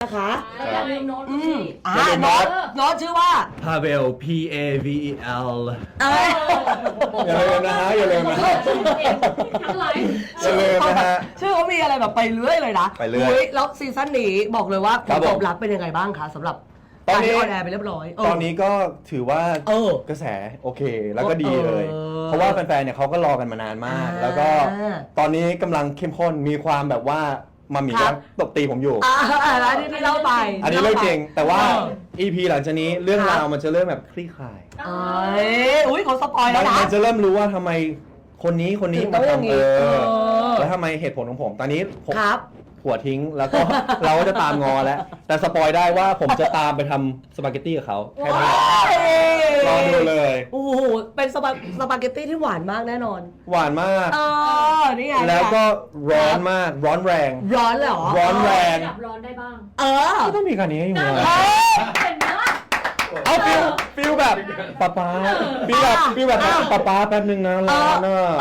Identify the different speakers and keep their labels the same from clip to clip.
Speaker 1: นะคะ
Speaker 2: อย่าลืมโน้ตสิ
Speaker 1: โน้ตชื่อว่า
Speaker 3: Pavel Pavel
Speaker 4: อย่าลืมนะฮะอย่าลืมนะฮะ
Speaker 2: ทั้งไลฟ์
Speaker 4: อย่าลืมนะฮะ
Speaker 1: ชื่อเขามีอะไรแบบไปเรื่อยเลยนะ
Speaker 4: ไปเรื่อย
Speaker 1: แล้วซีซั่นนี้บอกเลยว่าผ
Speaker 4: ครั
Speaker 1: ล
Speaker 4: บผม
Speaker 1: ตอบรับเป็นยังไงบ้างคะสำหรับ
Speaker 4: ตอนนี้
Speaker 1: การที่ออนแอร์ไปเรียบร้อย
Speaker 4: ตอนนี้ก็ถือว่า
Speaker 1: เออ
Speaker 4: กระแสโอเคแล้วก็ดีเลย เพราะว่าแฟนๆเนี่ยเขาก็รอกันมานานมาก
Speaker 1: อ่า
Speaker 4: แล้วก็ตอนนี้กำลังเข้มข้นมีความแบบว่ามามี
Speaker 1: ครั
Speaker 4: กับ ตบตีผมอยู่
Speaker 1: แล้วที่เล่าไป
Speaker 4: อันนี้เรื่องจริง แต่ว่า
Speaker 1: เออ
Speaker 4: EP หลังจากนี้เรื่อง
Speaker 1: ครับ
Speaker 4: ราวมันจะเริ่มแบบคลี่คลาย
Speaker 1: อุ้ยเขาสปอยแล้วนะ
Speaker 4: มันจะเริ่มรู้ว่าทำไมคนนี้
Speaker 1: ถึงต้
Speaker 4: มา
Speaker 1: องอย่าง
Speaker 4: ทำ
Speaker 1: นี้เออ
Speaker 4: แล้วทำไมเหตุผลของผม ตอนนี้ผม
Speaker 1: ครับ
Speaker 4: หัวทิ้งแล้วก็ เราก็จะตามงอแล้ว แต่สปอยได้ว่าผมจะตามไปทำสปาเกตตี้กับเขาแค่นี้รอดูเลย
Speaker 1: โอ้โหเป็นสปาเกตตี้ที่หวานมากแน่นอน
Speaker 4: หวานมาก
Speaker 1: นี่ไง
Speaker 4: แล้วก็ร้อนมากร้อนแรง
Speaker 1: ร้อนเลยเหรอ
Speaker 4: ร้อนแรง
Speaker 2: ดับร้อนได้บ้าง
Speaker 4: ก็ต้องมีการนี้อยู่นะ
Speaker 2: เห็นไหมล่ะ
Speaker 4: เอาฟิลแบบป๊าฟิลแบบป๊าแป๊บนึงนะร้อนอ่ะ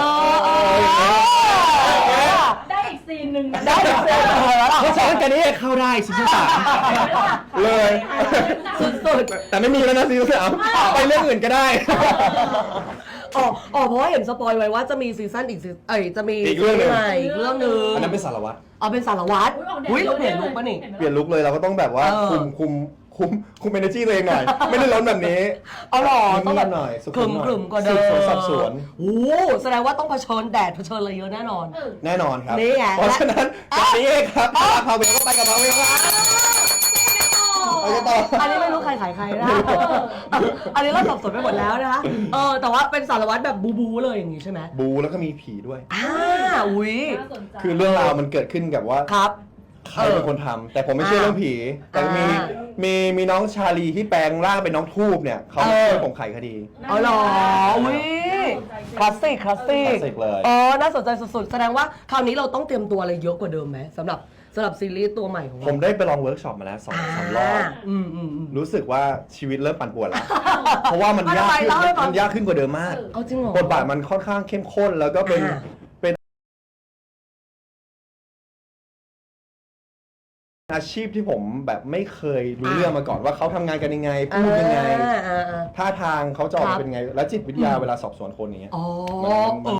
Speaker 2: ได้อีกซีนหนึ่งนะ
Speaker 1: ได้เสร็จแล้ว
Speaker 4: เพราะฉะนั้นการนี้เข้าได้ซีซั่นสามเลย
Speaker 1: สุด
Speaker 4: แต่ไม่มีแล้วนะซีซั่นสามไปเรื่องอื่นก็ได้
Speaker 1: ๆเพราะว่าเห็นสปอยไว้ว่าจะมีซีซั่นอีกจะมี
Speaker 4: อีกเรื่องหนึ่ง
Speaker 1: ใหม่อีกเรื่องหนึง
Speaker 4: อันนั้นเป็นสารวัตร
Speaker 1: เป็นสารวัตรอุ้ยเราเปลี่ยนลุคปะนี่
Speaker 4: เปลี่ยนลุคเลยเราก็ต้องแบบว่า
Speaker 1: เออ
Speaker 4: คุม energy ตัวเองหน่อย ไม่ได้ร้อนแบบนี้
Speaker 1: เอาหรอต้องแบบ
Speaker 4: หน่อยสุ
Speaker 1: กลุ่ม
Speaker 4: หน่อย
Speaker 1: กลุ่มกว่าเดิม
Speaker 4: สืบสวนสอบสวน
Speaker 1: โอ้แสดงว่าต้องเผชิญแดดเผชิญอะไรเยอะแน่นอน
Speaker 4: แน่นอนครับ
Speaker 1: นี่ไง
Speaker 4: เพราะฉะนั้นจากนี้เองครับพาเวลก็ไปกับพาเวลครับไปกันต่อ
Speaker 1: อันนี้ไม่รู้ใครขายใครนะอันนี้เราสับสนไปหมดแล้วนะคะแต่ว่าเป็นสารวัตรแบบบูเลยอย่างงี้ใช่ไหม
Speaker 4: บูแล้วก็มีผีด้วย
Speaker 1: อุ้ย
Speaker 2: น่าสนใจ
Speaker 4: คือเรื่องราวมันเกิดขึ้นกับว่า
Speaker 1: ครับ
Speaker 4: ใครเป็นคนทำแต่ผมไม่เชื่อเรื่องผี แต่มีน้องชาลีที่แปลงร่างเป็นน้องทูบเนี่ยเขาช่วยผมไขคดี
Speaker 1: อ๋อเหรออุ้ยคลาสสิก
Speaker 4: คลาสสิกเลย
Speaker 1: น่าสนใจสุดๆแสดงว่าคราวนี้เราต้องเตรียมตัวอะไรเยอะกว่าเดิมไหมสำหรับซีรีส์ตัวใหม่ของเรา
Speaker 4: ผมได้ไปลองเวิร์กช็อปมาแล้ว2-3 รอบ รู้สึกว่าชีวิตเริ่มปั่นป่วนแล้ว เพราะว่ามันยากขึ้น
Speaker 1: เล่าให้ฟัง
Speaker 4: มันยากขึ้นกว่าเดิมมาก
Speaker 1: เอาจริงเหรอ
Speaker 4: บทบาทมันค่อนข้างเข้มข้นแล้วก็เป็นอาชีพที่ผมแบบไม่เคยรู้เรื่องมาก่อนว่าเขาทำงานกันยังไงพูดยังไงท่าทางเขาจะออกมาเป็นไง แล้วจิตวิทยาเวลาสอบสวนคนอย่างเงี้ย
Speaker 1: อ๋อ
Speaker 4: มัน